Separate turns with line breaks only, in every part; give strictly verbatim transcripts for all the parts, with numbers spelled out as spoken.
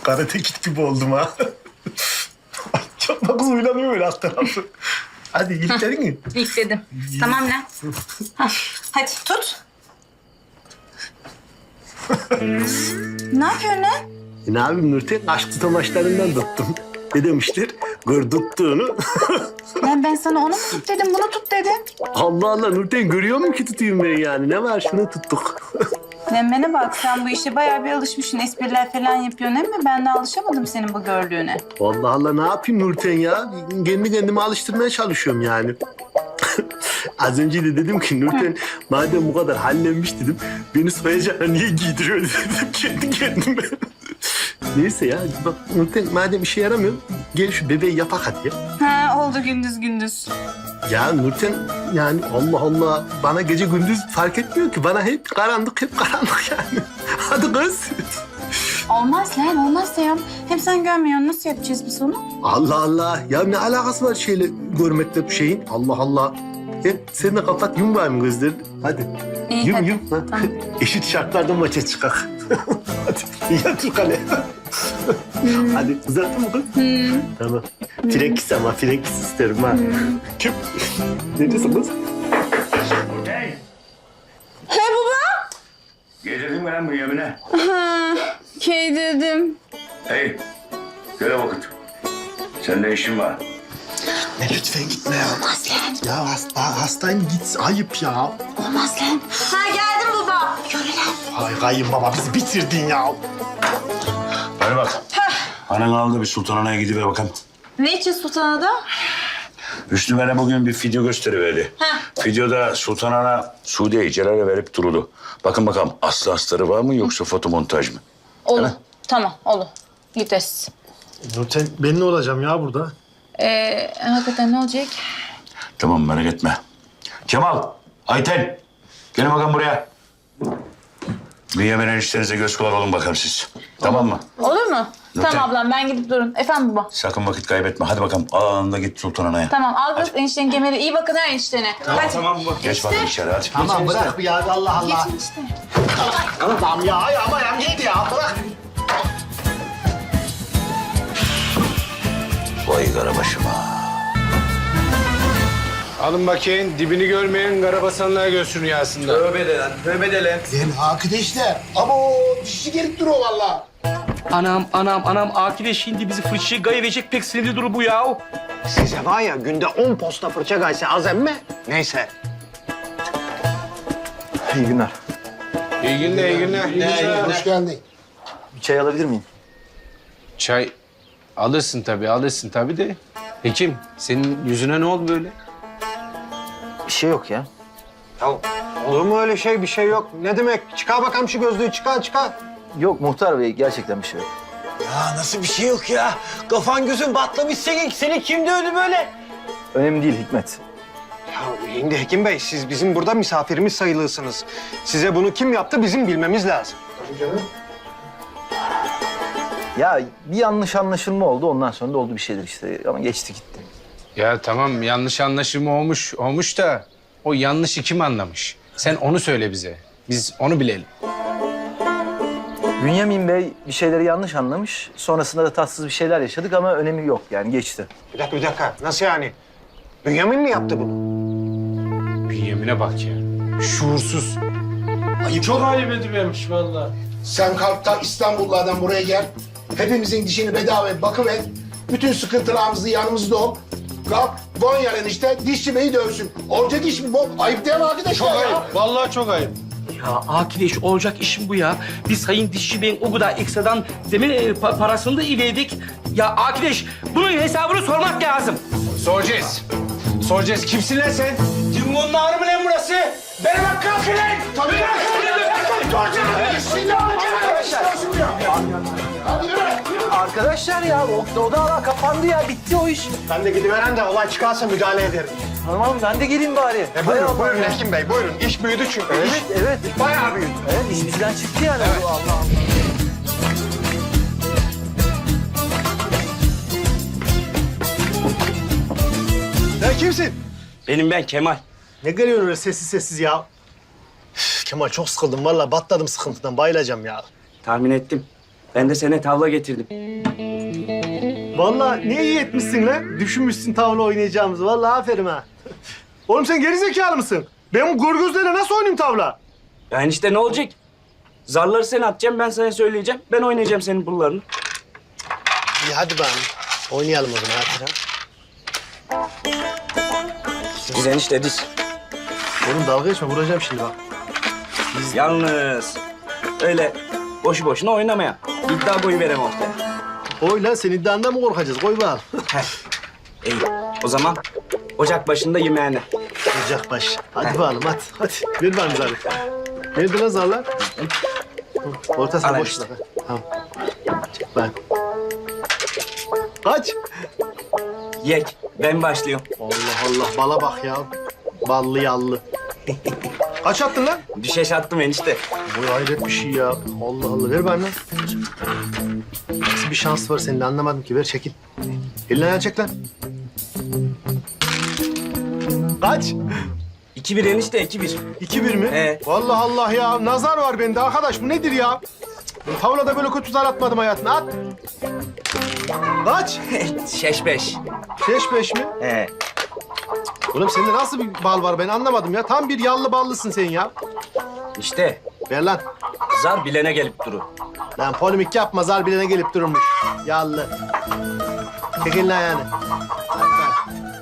karate kit gibi oldum ha. Ay, çok da kız uylanıyor öyle alt tarafı. Hadi iliklerin mi?
İlk dedim. Tamam lan. Hah, hadi tut. Ne yapıyorsun lan?
E ne yapayım Nurten? Aşk tutamaçlarından tuttum. Ne demişler? Gör tuttuğunu.
Lan ben sana onu mu tut dedim, bunu tut dedim.
Allah Allah Nurten görüyor musun ki tutayım ben yani? Ne var şunu tuttuk.
Lan bana bak, sen bu işe bayağı bir alışmışsın. Espriler falan yapıyorsun ama ben de alışamadım senin bu gördüğüne.
Allah Allah ne yapayım Nurten ya? Kendi kendime alıştırmaya çalışıyorum yani. Az önce de dedim ki Nurten madem bu kadar hallenmiş dedim. Beni soyacağına niye giydiriyor dedim kendi kendime. Neyse ya bak Nurten madem işe yaramıyor gel şu bebeği yapak hadi ya.
Ha oldu gündüz gündüz.
Ya Nurten yani Allah Allah bana gece gündüz fark etmiyor ki. Bana hep karanlık hep karanlık yani. Hadi kız.
Olmaz lan, olmaz ya. Hem sen görmüyorsun, nasıl yapacağız biz onu?
Allah Allah. Ya ne alakası var şeyle görmekle bu şeyin? Allah Allah. Hep sen de kapat yum var mı gözlerini? Hadi.
İyi,
yum
hadi.
yum. Ha.
Tamam.
Eşit şartlarda maça çıkak. Hadi yat yukarı. Hadi uzattın mı kız?
Hmm.
Tamam. Frekis ama frekis isterim ha. Kim? Ne diyorsun kız?
Hey!
He baba?
Getirdin mi lan bu yemine?
Ha, key dedim.
Hey! Göre vakit. Seninle işin var.
Ne lütfen gitme ya. Olmaz lan. Ya hasta, hastayım git. Ayıp ya.
Olmaz lan. Ha geldim baba. Yürü lan.
Ay kayınbaba bizi bitirdin ya.
Hadi bak. Anan aldı bir sultanana gidiver bakalım.
Ne için sultanada?
Hüsnü bana bugün bir video gösteriverdi.
Ha.
Videoda sultanana Suudi'yi Celal'e verip durdu. Bakın bakalım aslı astarı var mı yoksa fotomontaj mı?
Olur. Tamam olur. Gideriz.
Nurten ben ne olacağım ya burada?
Ee, hakikaten ne olacak?
Tamam merak etme. Kemal, Ayten gelin bakalım buraya. Bir Yemen eniştenize göz kulak olun bakalım siz. Tamam mı?
Olur mu?
Nurten.
Tamam ablam, ben gidip durun. Efendim baba.
Sakın vakit kaybetme. Hadi bakalım anında git sultan anaya.
Tamam al kız eniştenin kemeri. İyi bakın ha eniştene. Hadi.
Tamam mı? Geç bakayım içeri hadi.
Tamam bırak bir ya Allah Allah.
Geçin işte.
Tamam ya ay ama ya neydi ya bırak.
Vay karabaşıma.
Alın bakayım, dibini görmeyen karabasanlığa göğsün rüyasında.
Tövbe de lan, tövbe de lan.
Lan arkadaşlar ama o dişi gelip duruyor valla.
Anam, anam, anam. Akide şimdi bizi fırçaya gayverecek pek sinirli duru bu ya.
Size var ya günde on posta fırça gayse az emme. Neyse.
İyi günler.
İyi günler, iyi günler. İyi günler.
Hoş geldin.
Bir çay alabilir miyim?
Çay alırsın tabii, alırsın tabii de. Hekim, senin yüzüne ne oldu böyle?
Bir şey yok ya.
Ya olur mu öyle şey? Bir şey yok. Ne demek? Çıkar bakalım şu gözlüğü. Çıkar, çıkar.
Yok muhtar bey gerçekten bir şey yok.
Ya nasıl bir şey yok ya? Kafan gözün batlamış senin. Seni kim dövdü böyle?
Önemli değil Hikmet.
Ya şimdi Hekim Bey, siz bizim burada misafirimiz sayılırsınız. Size bunu kim yaptı bizim bilmemiz lazım.
Ya bir yanlış anlaşılma oldu ondan sonra da oldu bir şeyler işte ama geçti gitti.
Ya tamam, yanlış anlaşılma olmuş, olmuş da o yanlışı kim anlamış? Sen onu söyle bize. Biz onu bilelim.
Bünyamin Bey bir şeyleri yanlış anlamış. Sonrasında da tatsız bir şeyler yaşadık ama önemi yok yani geçti.
Bir dakika, bir dakika. Nasıl yani? Bünyamin mi yaptı bunu?
Bünyemine bak ya. Şuursuz.
Çok ayıp edivermiş vallahi. Sen kalk da İstanbullardan buraya gel. Hepimizin dişini bedava bakıver. Bütün sıkıntılarımızı yanımızda ol. Kalk Gonyalı işte dişçi beyi dövsün. Olacak iş mi bu? Ayıp değil mi arkadaşlar
Çok
ya?
ayıp. Vallahi çok ayıp.
Ya Akideş olacak işim bu ya. Biz Sayın Dişçi Bey'in o kadar ekstradan zemin e, pa- parasını da iledik. Ya Akideş bunun hesabını sormak lazım.
Soracağız. Soracağız. Kimsin lan sen?
Cumhur'un ağrı mı lan burası? Bana bak kalkın lan!
Tabii.
Arkadaşlar ya o, o da kapandı ya bitti o iş.
Ben de gidiveren de olay çıkarsa müdahale ederim.
Tamam ben de geleyim bari.
E
Hay
buyurun,
Allah
buyurun
ya.
Hekim Bey, buyurun. İş büyüdü çünkü.
Evet
İş
evet.
bayağı büyüdü.
Evet iş bizden çıktı yani. Allah Allah.
Sen kimsin?
Benim ben Kemal.
Ne geliyorsun öyle sessiz sessiz ya? Üf, Kemal çok sıkıldım vallahi batladım sıkıntıdan bayılacağım ya.
Tahmin ettim.
Ben de sana tavla getirdim.
Vallahi ne iyi etmişsin lan. Düşünmüşsün tavla oynayacağımızı. Vallahi aferin ha. Oğlum sen gerizekalı mısın? Ben bu gorgözlerle nasıl oynayayım tavla?
Yani işte ne olacak? Zarları sen atacaksın, ben sana söyleyeceğim. Ben oynayacağım senin pullarını.
İyi hadi bakalım. Oynayalım o zaman hadi.
Biz enişte diz.
Oğlum dalga geçme vuracağım şimdi bak.
Yalnız öyle boşu boşuna oynamaya. İddia boyu verem ortaya.
Oy lan sen iddiandan mı korkacağız? Koy bakalım.
İyi. O zaman ocak başında yemeğine.
Ocak baş. Hadi bakalım hadi. Hadi. Ver bakalım zarı. Nerede lan zarlar? Ortasına
Al
boş
işte.
bırak. Tamam. Çek bak. Kaç?
Yek. Ben başlıyorum.
Allah Allah bala bak ya. Ballı yallı. Kaç attın lan?
Düşeş attım enişte.
Bu hayret bir şey ya. Allah Allah ver bana. Nasıl bir şans var senin de anlamadım ki. Ver çekil. Elini ayağını çek lan. Kaç?
İki bir enişte, iki bir.
İki bir mi?
He.
Vallahi Allah ya. Nazar var bende arkadaş. Bu nedir ya? Ben tavlada böyle kötü zar atmadım hayatımda. At. Kaç?
Şeş beş.
Beş beş mi?
He.
Oğlum sende nasıl bir bal var ben anlamadım ya. Tam bir yallı ballısın sen ya.
İşte
Ver lan.
zar bilene gelip duru.
Lan polemik yapma zar bilene gelip durmuş. Yallı. Çek elini ayağını. Hadi lan.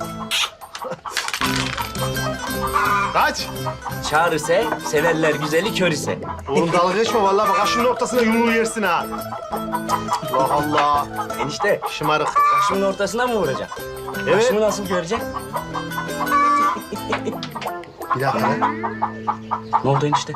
Kaç?
Çağır ise, severler güzeli kör ise.
Oğlum dalga geçme vallahi bak aşının ortasına yumruğu yersin ha. Allah Allah.
Enişte,
Şımarık.
başımın ortasına mı vuracaksın?
Evet.
Başımı nasıl göreceksin?
Bir dakika lan.
Ne oldu enişte?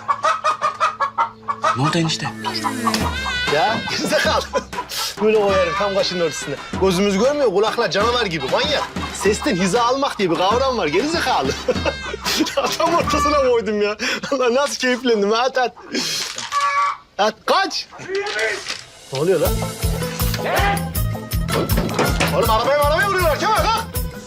Ne oldu enişte?
Ya gerizekalı. Böyle koyarım tam kaşının ortasına. Gözümüz görmüyor kulaklar canavar gibi manyak. Sesten hiza almak diye bir kavram var gerizekalı. Tam ortasına koydum ya. Allah nasıl keyiflendim ha, at at. At kaç. Ne oluyor lan? Oğlum arabaya arabaya vuruyorlar Kemal lan.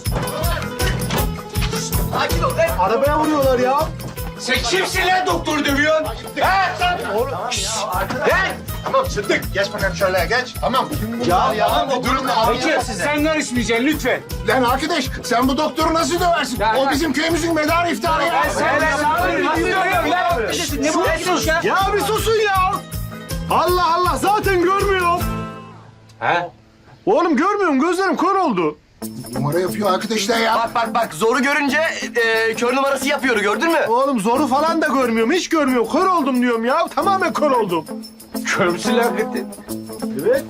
Sakin ol lan.
Arabaya vuruyorlar ya.
Sen kimsin lan doktoru dövüyorsun? He?
Oğlum.
He?
Tamam Sıddık geç bakalım şöyle geç. Tamam.
Ya ya.
Bu durumda
Peki sen karışmayacaksın lütfen.
Lan arkadaş sen bu doktoru nasıl döversin?
Ya,
o
ya.
bizim köyümüzün medarı iftiharı ya.
Ne bu ya?
Ya bir susun ya. Allah Allah zaten görmüyorum.
He?
Oğlum görmüyorum gözlerim kör oldu.
Numara yapıyor arkadaşlar ya.
Bak bak bak zoru görünce e, kör numarası yapıyor gördün mü?
Oğlum zoru falan da görmüyorum. Hiç görmüyorum. Kör oldum diyorum ya. Tamamen kör oldum.
Kör müsün lan hakikaten?
Evet.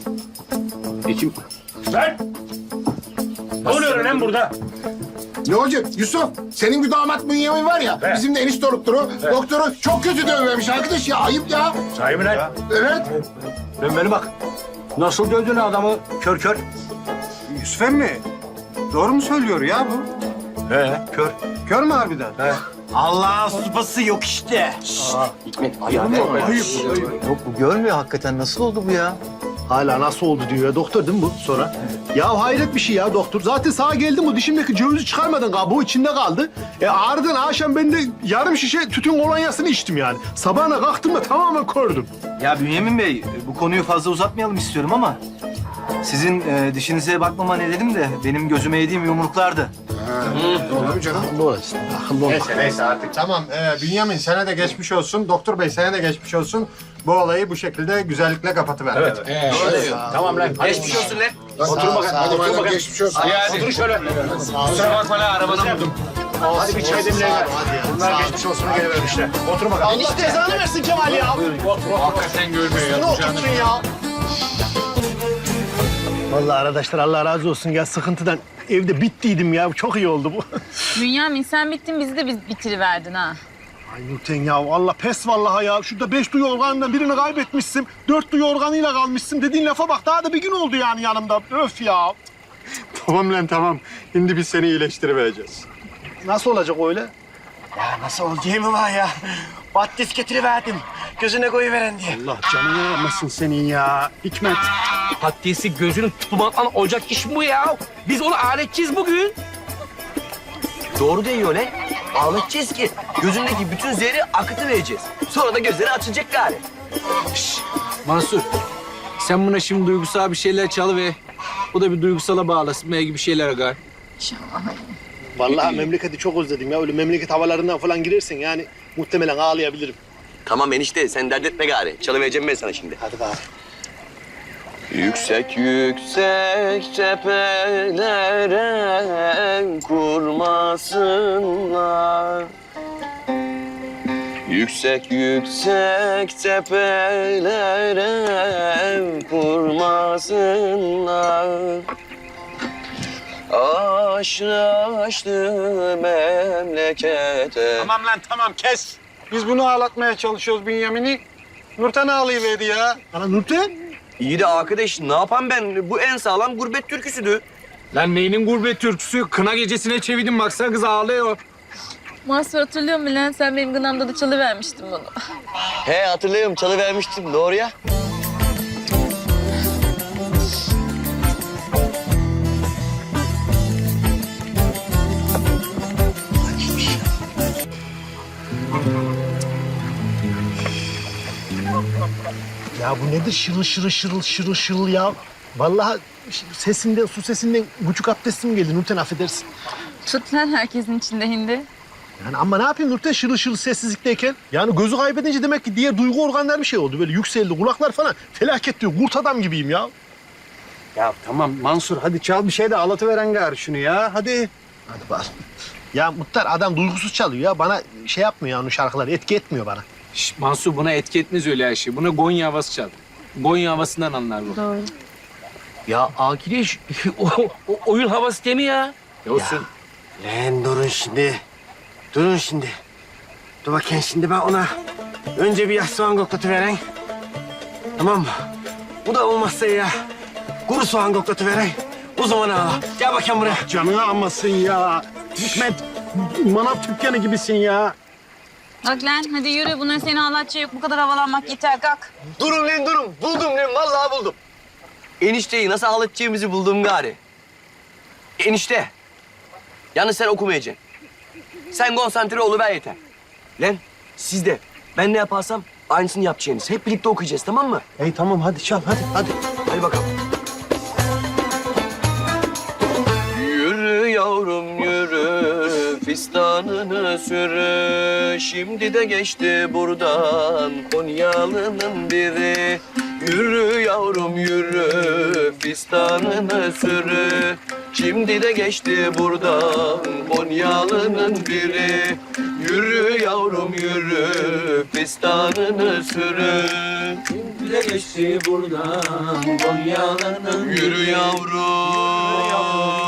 Lan! Ne oluyor lan burada?
Ne olacak Yusuf? Senin bir damat Bünyamin var ya. Bizim de enişte doktoru. Doktoru çok kötü dövmemiş arkadaş ya. Ayıp ya.
Sahi mi lan?
Evet.
Dön beni bak. Nasıl dövdün adamı kör kör?
Yusuf emmi, doğru mu söylüyor ya bu?
He.
Kör. Kör mü harbiden?
Allah'ın supası yok işte.
Yok bu görmüyor hakikaten. Nasıl oldu bu ya?
Hala nasıl oldu diyor ya. Doktor değil mi bu sonra? Ya hayret bir şey ya doktor. Zaten sağa geldim bu dişimdeki cevizi çıkarmadın kabuğu içinde kaldı. E ardından akşam ben de yarım şişe tütün kolonyasını içtim yani. Sabahına kalktım da tamamen kördüm.
Ya Bünyamin Bey, bu konuyu fazla uzatmayalım istiyorum ama... ...sizin e, dişinize bakmama nedenim de benim gözüme yediğim yumruklardı.
Olur mu canım?
Ne olacak? Akıllı ol.
Neyse neyse artık tamam. Ee, Bünyamin sana da geçmiş olsun. Doktor bey sana da geçmiş olsun. Bu olayı bu şekilde güzellikle kapatıver. Evet.
Tamam lan.
Geçmiş olsun lan.
Otur bakalım. Hadi otur bakalım. Geçmiş olsun.
Otur şöyle. Kusura bakma lan arabadan vurdum.
Hadi bir çay demleyin.
Bunlar geçmiş olsuna gelivermişler. Otur bakalım.
Allah cezanı versin Kemal ya.
Hakikaten görmüyor
Ne oturtun ya? Vallahi arkadaşlar Allah razı olsun ya sıkıntıdan evde bittiydim ya. Çok iyi oldu bu.
Bünyamin sen bittin bizi de biz bitiriverdin ha.
Ay Nurten ya Allah pes vallahi ya. Şurada beş duyu organından birini kaybetmişsin. Dört duyu organıyla kalmışsın. Dediğin lafa bak daha da bir gün oldu yani yanımda. Öf ya.
Tamam lan tamam. Şimdi biz seni iyileştirivereceğiz.
Nasıl olacak öyle?
Ya nasıl olacağı mı var ya? Battis getiriverdim. Gözüne koyuveren diye.
Allah canını almasın senin ya. Hikmet.
Patatesi gözünün tutmaktan olacak iş mi bu ya? Biz onu aletçiyiz bugün.
Doğru diyor lan. Ağlatacağız ki gözündeki bütün zehri akıtı vereceğiz. Sonra da gözleri açılacak gari.
Mansur, Sen buna şimdi duygusal bir şeyler çalı ve bu da bir duygusala bağlasın. Belki bir şeyler agar.
Vallahi memleketi çok özledim ya. Öyle memleket havalarından falan girersen yani muhtemelen ağlayabilirim.
Tamam enişte sen dert etme gari. Çalıvereceğim ben sana şimdi.
Hadi bak.
Yüksek yüksek tepelere kurmasınlar. Yüksek yüksek tepelere kurmasınlar. Aşrı aşrı memlekete.
Tamam lan tamam kes. Biz bunu ağlatmaya çalışıyoruz Bünyamin'i. Nurten ağlayıverdi ya.
Ana Nurten.
İyi de arkadaş ne yapayım ben? Bu en sağlam gurbet türküsüdür.
Lan neyinin gurbet türküsü? Kına gecesine çevirdim baksana kız ağlıyor.
Mahsur hatırlıyor musun lan? Sen benim gınamda da çalıvermiştin bunu.
He hatırlıyorum çalıvermiştim doğru ya.
Ya bu nedir şırıl şırıl şırıl şırıl şırıl ya? Vallahi sesinden, su sesinden küçük abdestim geldi Nurten affedersin.
Tut lan herkesin içinde hindi.
Yani ama ne yapayım Nurten şırıl şırıl sessizlikteyken? Yani gözü kaybedince demek ki diğer duygu organları bir şey oldu. Böyle yükseldi, kulaklar falan felaket diyor. Kurt adam gibiyim ya.
Ya tamam Mansur hadi çal bir şey de ağlatıveren gari şunu ya hadi.
Hadi bak. Ya Muhtar adam duygusuz çalıyor ya. Bana şey yapmıyor ya onun şarkıları. Etki etmiyor bana.
Şş, Mansur buna etki etmez öyle her şey. Buna Gonya havası çal. Gonya havasından anlar bu.
Doğru.
Ya arkadaş o, o oyun havası değil mi ya?
Olsun.
Lan durun şimdi. Durun şimdi. Dur bakayım şimdi ben ona önce bir yaş soğan koklatıveren. Tamam mı? Bu da olmazsa ya kuru soğan koklatıveren. O zaman ağla. Gel bakayım buraya.
Canını almasın ya. Hikmet manav dükkanı gibisin ya.
Bak lan hadi yürü. Bunların seni ağlatacak yok. Bu kadar havalanmak yeter. Kalk.
Durun lan durun. Buldum lan vallahi buldum. Enişteyi nasıl ağlatacağımızı buldum gari. Enişte. Yalnız sen okumayacaksın. Sen konsantre oluver yeter. Lan siz de ben ne yaparsam aynısını yapacaksınız. Hep birlikte okuyacağız tamam mı?
Ey tamam hadi çal hadi hadi.
Hadi bakalım. Yürü yavrum yürü, fistanını sürü. Şimdi de geçti buradan Konyalı'nın biri. Yürü yavrum yürü, fistanını sürü. Şimdi de geçti buradan Konyalı'nın biri. Yürü yavrum yürü, fistanını sürü. Şimdi de geçti buradan Konyalı'nın biri. Yürü yavrum.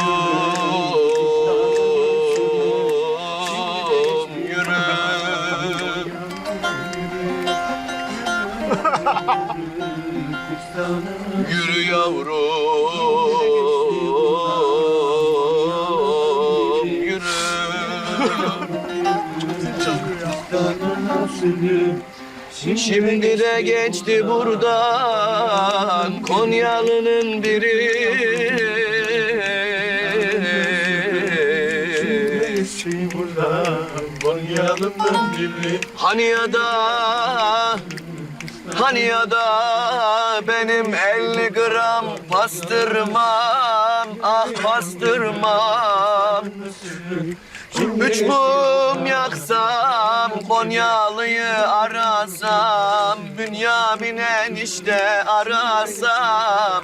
Yürü yavrum, yürü. Şimdi de geçti buradan Konyalı'nın biri. Geçti buradan Konyalı'nın biri. Hani ya da Hani ya da benim elli gram pastırmam, ah pastırmam. Üç mum yaksam, Konyalı'yı arasam, Bünyamin enişte arasam.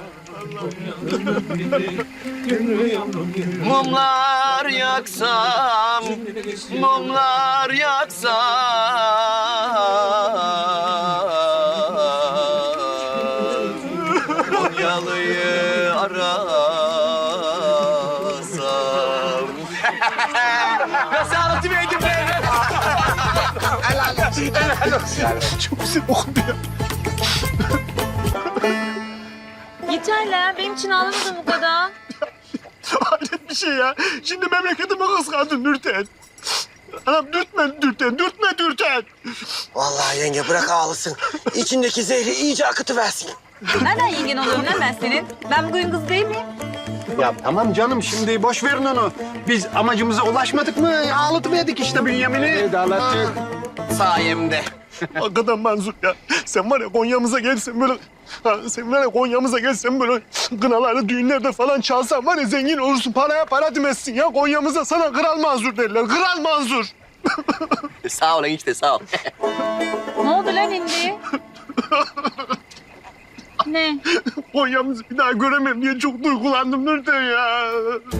Mumlar yaksam, mumlar yaksam. Konyalı'yı arasam. Nasıl anlatıverdim ben?
Helal olsun, helal olsun.
Çok güzel okundu ya.
Yeter lan. Benim için ağlamadın bu kadar.
Hayret bir şey ya. Şimdi memleketime kıskandın Nurten. Anam dürtme Nurten, dürtme Nurten.
Vallahi yenge bırak ağlasın. İçindeki zehri iyice akıtıversin.
Nereden yengen oluyorum lan ben senin? Ben bugün kız değil miyim?
Ya tamam canım şimdi boş verin onu. Biz amacımıza ulaşmadık mı? Ağlatıverdik işte Bünyamin'i.
Evet ağlattık.
Sayemde.
Hakikaten Manzur ya. Sen var ya Konya'mıza gelsen böyle... Ha, sen var ya Konya'mıza gelsen böyle kınalarda, düğünlerde falan çalsan var ya zengin olursun. Paraya para demezsin ya. Konya'mıza sana Kral Manzur derler. Kral Manzur.
Sağ ol enişte sağ ol.
Ne oldu lan hindi? Ne?
Konya'mızı bir daha göremem diye çok duygulandım Nurten ya.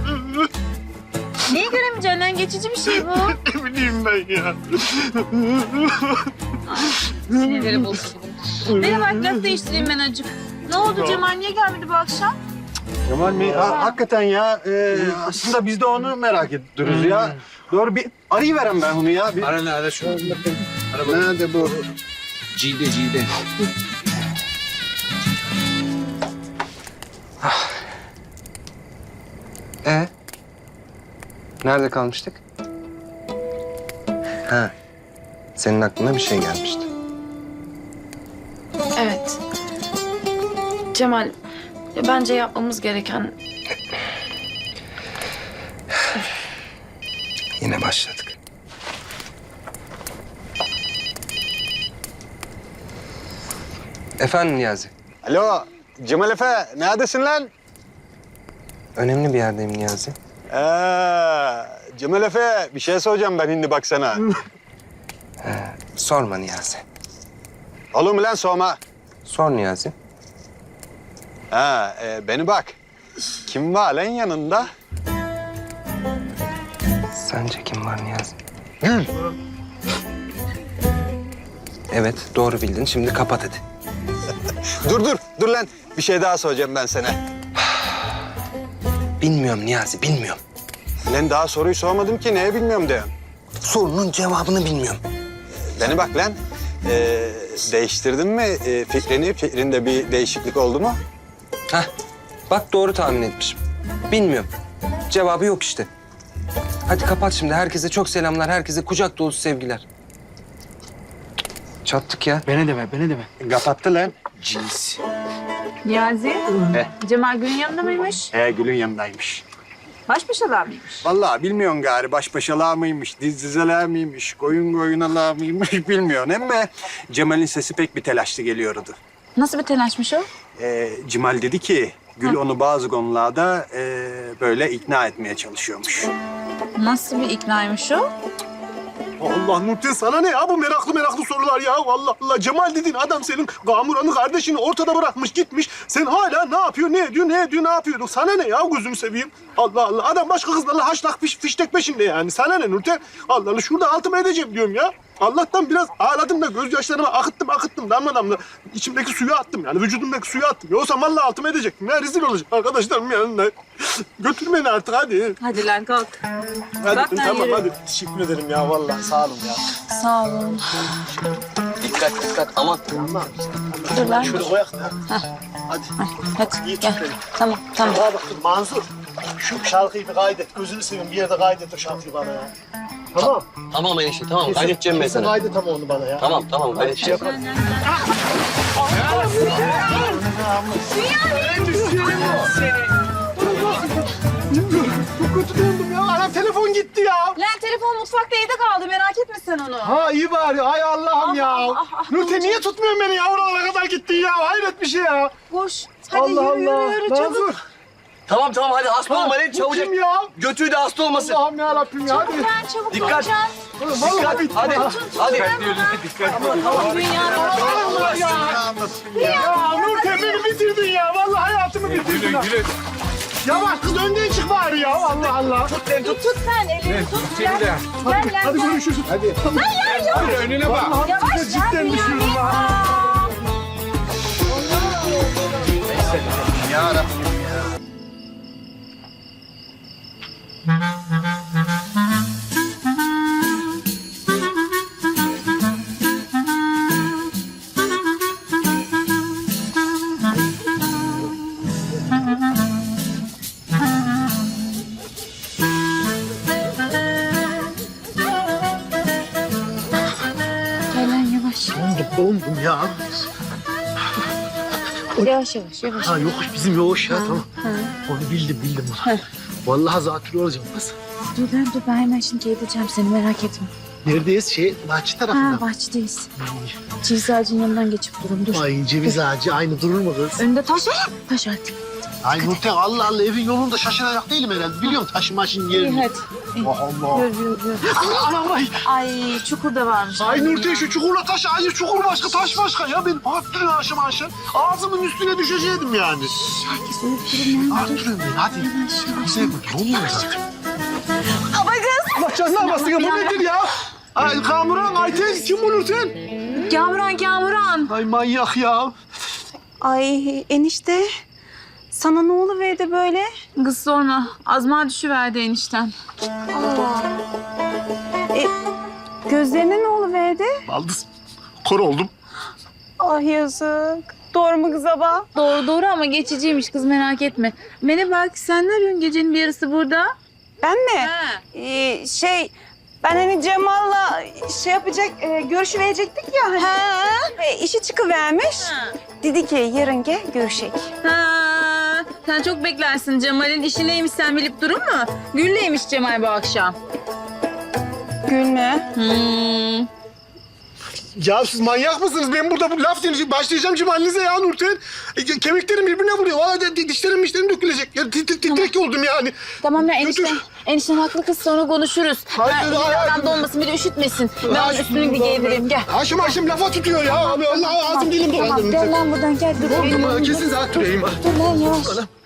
Neyi göremeyeceksin lan? Geçici bir şey bu.
Ne bileyim ben ya.
Sinirleri bozuldu. Bana bak laf değiştireyim ben acık. Ne oldu Cemal? Niye gelmedi bu akşam?
Cemal mi? Ha, hakikaten ya. e, aslında biz de onu merak ediyoruz ya. Doğru bir arayıverem ben onu ya. Bir...
Ara ne ara şunu.
Nerede bu?
Cide cide.
Ee? Nerede kalmıştık? Ha. Senin aklına bir şey gelmişti.
Evet. Cemal, ya bence yapmamız gereken...
Yine başladık. Efendim Niyazi?
Alo, Cemal Efe, neredesin lan?
Önemli bir yerdeyim Niyazi.
Ee, Cemal Efe, bir şey soracağım ben şimdi bak sana.
Sorma Niyazi.
Olur mu lan sorma?
Sor Niyazi.
Ha, e, beni bak. Kim var lan yanında?
Sence kim var Niyazi?
Gül.
Evet, doğru bildin. Şimdi kapat hadi.
Dur dur, dur lan. Bir şey daha soracağım ben sana.
Bilmiyorum Niyazi, bilmiyorum.
Lan daha soruyu sormadım ki, neye bilmiyorum diyorum.
Sorunun cevabını bilmiyorum.
Beni bak lan. Ee, değiştirdin mi e, fikrini? Fikrinde bir değişiklik oldu mu?
Hah, bak doğru tahmin etmişim. Bilmiyorum. Cevabı yok işte. Hadi kapat şimdi. Herkese çok selamlar. Herkese kucak dolusu sevgiler. Çattık ya.
Beni deme, beni deme.
Kapattı lan.
Cins.
Niyazi. Cemal Gül'ün yanında mıymış?
He, Gül'ün yanındaymış.
Baş başalar mıymış?
Vallahi bilmiyorsun gari baş başalar mıymış, diz dizeler miymiş, koyun koyunalar mıymış bilmiyorsun. Ama Cemal'in sesi pek bir telaşlı geliyordu.
Nasıl bir telaşmış o?
Ee, Cemal dedi ki Gül onu bazı konularda e, böyle ikna etmeye çalışıyormuş.
Nasıl bir iknaymış o?
Allah Nurten sana ne ya bu meraklı meraklı sorular ya. Allah Allah Cemal dediğin adam senin Gamuran'ın kardeşini ortada bırakmış gitmiş. Sen hala ne yapıyor, ne ediyor, ne ediyor, ne yapıyor? Sana ne ya gözünü seveyim. Allah Allah adam başka kızlarla haşlak fiş, fiştek peşinde yani. Sana ne Nurten? Allah Allah şurada altımı edeceğim diyorum ya. Allah'tan biraz ağladım da gözyaşlarımı akıttım akıttım damla damla. İçimdeki suyu attım yani vücudumdaki suyu attım. Yoksa vallahi altımı edecektim ya rezil olacak arkadaşlarım yanında. Götür beni artık hadi.
Hadi lan kalk.
Hadi
Bak ben
tamam
yürüyorum.
hadi. Teşekkür ederim ya vallahi sağ olun ya.
Sağ olun.
Dikkat dikkat aman.
Dur lan.
Şöyle koyak da. Hadi.
Hadi
İyi
gel.
tut beni.
Tamam tamam.
Bana bak dur Mansur. Şu şarkıyı bir kaydet. Gözünü seveyim bir yerde kaydet o şarkıyı bana ya. Tamam.
Tamam enişte tamam kaydedeceğim ben
Kesin
sana.
kaydet ama onu bana ya.
Tamam tamam kaydedeceğim.
Çok kötü döndüm ya. Anam telefon gitti ya.
Lan telefon mutfakta evde kaldı merak etme sen onu.
Ha iyi bari. Ay Allah'ım ya.
ah, ah,
Nurten niye tutmuyorsun beni ya? Oralara kadar gittin ya. Hayret bir şey ya.
Koş. Hadi
Allah
yürü
Allah.
yürü yürü çabuk.
Mansur.
Tamam tamam hadi hasta
Ha,
olma lan
bu
çabucak.
kim ya?
Götüğü de hasta olmasın.
Allah'ım yarabbim ya. Hadi.
Lan çabuk
Dikkat.
olacaksın.
Vallahi bitti.
Hadi
ha.
hadi.
Allah ya. Ya Nurten beni bitirdin ya. Vallahi hayatımı bitirdin. ha. Yavaş kız önden çık bari ya. Allah Allah.
Tut tut sen elini tut. Gel gel
Hadi,
gel.
hadi
gel.
görüşürüz. Hadi.
Hayır yok.
Hadi önüne bak.
Vallahi
Yavaş
size
ya,
cidden
Bünyamin.
düşüyorum ha.
Gel lan yavaş.
Dondum, dondum ya.
Yavaş yavaş yavaş.
Ha yokuş bizim yokuş ya tamam. Onu bildim bildim onu. Vallahi zatürre olacağım kız.
Dur lan dur ben hemen şimdi gideceğim seni merak etme.
Neredeyiz? Şey, bahçe tarafında.
Ha bahçedeyiz. Ceviz ağacının yanından geçip durun dur.
Ay ceviz ağacı aynı durur mu kız?
Önünde taş var. Taş var.
Ay Nurten Allah Allah evin yolunda şaşıracak değilim herhalde. Biliyorum taşı maşın
İyi
yerini.
hadi.
Allah Allah.
Yürü yürü yürü.
Anam ay.
Ay çukur da varmış.
Ay Nurten şu çukurla taş, ay çukur başka taş başka ya. Ben arttırıyorum aşım aşım. Ağzımın üstüne düşecektim yani.
Herkes uyup durun ya.
Arttırıyorum ben hadi. Bize bu olmuyor zaten.
Ama kız.
Allah canına basın ya bu nedir ya? Ay Kamuran, Ayten kim bu Nurten?
Kamuran Kamuran.
Ay manyak ya.
Ay enişte. Sana ne oluverdi böyle?
Kız sorma. Azma düşüverdi enişten.
E, gözlerine ne oluverdi?
Baldız. Kor oldum.
Ah yazık. Doğru mu kız abla?
Doğru doğru ama geçiciymiş kız merak etme. Bana bak sen ne arıyorsun gecenin bir yarısı burada?
Ben mi?
Ha.
Ee, şey, ben hani Cemal'la şey yapacak, e, görüşü verecektik ya. Hani.
Ha.
E, işi çıkıvermiş.
Ha.
Dedi ki yarın gel görüşek.
Ha. Sen çok beklersin Cemal'in işi neymiş sen bilip durur mu? Gül'leymiş Cemal bu akşam.
Gül mü?
Hmm.
Ya siz manyak mısınız? Ben burada bu laf dinleyeceğim. Başlayacağım cimalinize ya Nurten. E, kemiklerim birbirine vuruyor. Valla de- de- dişlerim dişlerim dökülecek. Ya, tit- tit- titrek oldum yani.
Tamam ya enişte.
Götür.
Enişten haklı kız sonra konuşuruz.
Hayır,
Ha,
hayır, hayır.
adam donmasın bir de üşütmesin. Ben onun
Ay,
üstünü bir giydireyim gel.
Haşım haşım lafa tutuyor ya. Abi Allah ağzım dilim dolandı.
Gel lan buradan gel. Dur,
Oğlum
benim
bana
yanımda.
kesin zaten türeyim ha.
Dur lan yavaş.
Anam.